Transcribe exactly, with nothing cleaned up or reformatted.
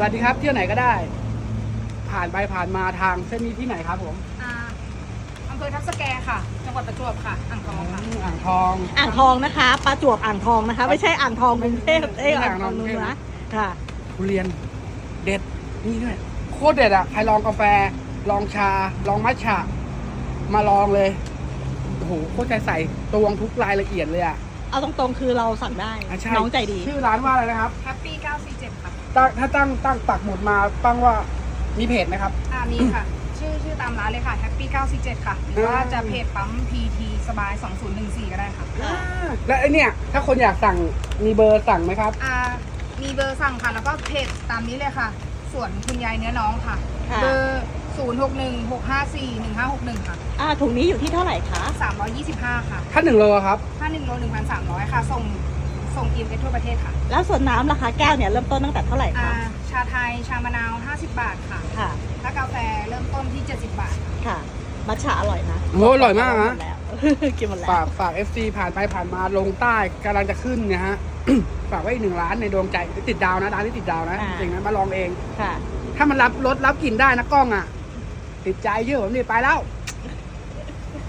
วัสดีครับเที่ยวไหนก็ได้ ผ่านไปผ่านมาทางเส้นนี้ที่ไหนครับผมอ่าอำเภอทับสแกค่ะ จังหวัดประจวบค่ะ อ่างทองค่ะอ่างทองอ่างทองนะคะประจวบอ่างทองนะคะ ไม่ใช่อ่างทองกรุงเทพเอ้ยไม่ใช่อ่างทองอ่างทองเหนือค่ะทุเรียนเด็ดนี่ด้วยโคตรเด็ดอ่ะใครลองกาแฟ ลองชา ลองมัทฉะมาลองเลยโอ้โหโคตรใจใส่ตวงทุกรายละเอียดเลยอ่ะเอาตรงๆคือเราสั่งได้อ่ะใช่น้องใจดีชื่อร้านว่าอะไรนะครับ Happy เก้าสี่เจ็ดค่ะตั้งถ้าตั้งตั้งปักหมุดมาปั้งว่ามีเพจไหมครับอ่ามีค่ะ ชื่อชื่อตามร้านเลยค่ะ Happy เก้าสี่เจ็ดค่ะ หรือว่าจะเพจปั๊ม พี ที สบายสองศูนย์หนึ่งสี่ก็ได้ค่ะค่ะและไอเนี่ยถ้าคนอยากสั่งมีเบอร์สั่งไหมครับอ่ามีเบอร์สั่งค่ะ แล้วก็เพจตามนี้เลยค่ะ ส่วนคุณยายเนื้อน้องค่ะค่ะเบอร์ศูนย์หกหนึ่งหกห้าสี่หนึ่งห้าหกหนึ่งค่ะอ่าถุงนี้อยู่ที่เท่าไหร่คะสามร้อยยี่สิบห้าค่ะถ้าหนึ่งโลครับถ้าหนึ่งโลหนึ่งพันสามร้อยค่ะ ส่งส่งอีเมลทั่วประเทศค่ะแล้วส่วนน้ำราคาแก้วเนี่ยเริ่มต้นตั้งแต่เท่าไหร่อ่าคะชาไทย ชามะนาว ห้าสิบบาทค่ะค่ะถ้ากาแฟเริ่มต้นที่ เจ็ดสิบบาทค่ะมัทฉะอร่อยนะโอ้อร่อยมากนะหดแล้ว กินหมดแล้วฝากฝาก เอฟ ซี ผ่านไปผ่านมาลงใต้กำลังจะขึ้นเนี่ยฮะ ฝากไว้อีกหนึ่งร้านในดวงใจติดดาวนะร้านที่ติดดาวนะอ่าจริงนะมาลองเองค่ะถ้ามันรับรสรับกลิ่นได้นะกล้องอ่ะ ติดใจเยอะผมนี่ไปแล้ว